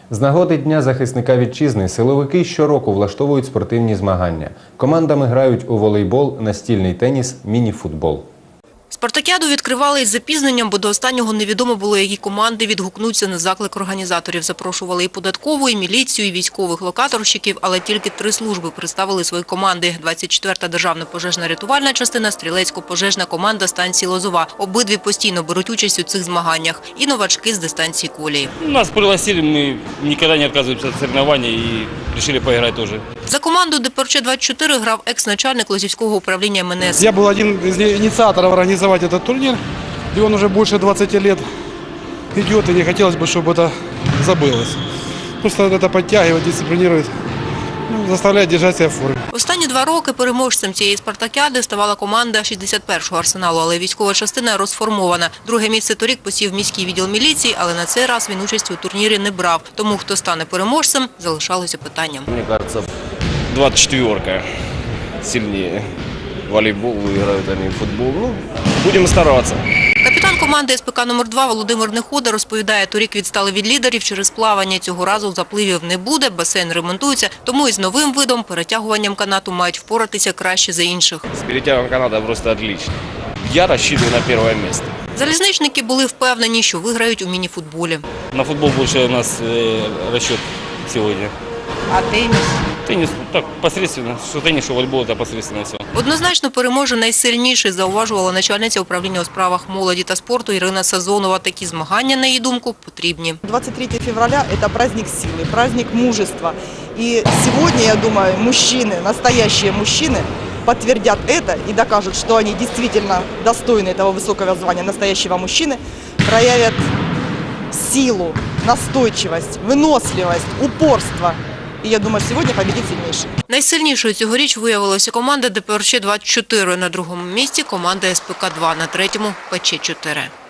З нагоди Дня захисника вітчизни силовики щороку влаштовують спортивні змагання. Командами грають у волейбол, настільний теніс, міні-футбол. Спартакіаду відкривали із запізненням, бо до останнього невідомо було, які команди відгукнуться на заклик організаторів. Запрошували і податкову, і міліцію, і військових локаторщиків, але тільки 3 служби представили свої команди. 24-та державна пожежно-рятувальна частина, стрілецько-пожежна команда станції Лозова. Обидві постійно беруть участь у цих змаганнях. І новачки з дистанції колії. Нас пригласили, мы никогда не отказываемся от соревнований и решили поиграть тоже. За команду ДПРЧ-24 грав екс-начальник Лозівського управління МНС. Я был один из инициаторов организовать этот турнир, и он уже больше 20 лет идет, и не хотелось бы, чтобы это забылось. Просто это подтягивает, дисциплинирует, заставляет держать себя в форме. Останні 2 роки переможцем цієї спартакіади ставала команда 61-го арсеналу, але військова частина розформована. Друге місце торік посів міський відділ міліції, але на цей раз він участі у турнірі не брав. Тому хто стане переможцем, залишалося питанням. Мне кажется, 24-ка сильнее. Волейбол выиграют они, футбол. Ну, будем стараться. Капітан команди СПК номер 2 Володимир Нехода розповідає, торік відстали від лідерів через плавання. Цього разу запливів не буде, басейн ремонтується, тому із новим видом перетягуванням канату мають впоратися краще за інших. С перетягом каната просто отлично. Я рассчитываю на первое место. Залізничники були впевнені, що виграють у міні-футболі. На футбол больше у нас расчет сегодня. А теніс? Теннис так посредственно, что теннис, что волейбол это посредственно все. Однозначно переможе найсильніший, зауважувала начальниця управління у справах молоді та спорту Ірина Сазонова. Такі змагання, на її думку, потрібні. 23 февраля – это праздник силы, праздник мужества. И сегодня, я думаю, мужчины, настоящие мужчины, подтвердят это и докажут, что они действительно достойны этого высокого звания настоящего мужчины, проявят силу, настойчивость, выносливость, упорство. І я думаю, сьогодні победить сильніший. Найсильнішою цьогоріч виявилася команда ДПРЧ-24. На другому місці команда СПК-2, на третьому – ПЧ-4.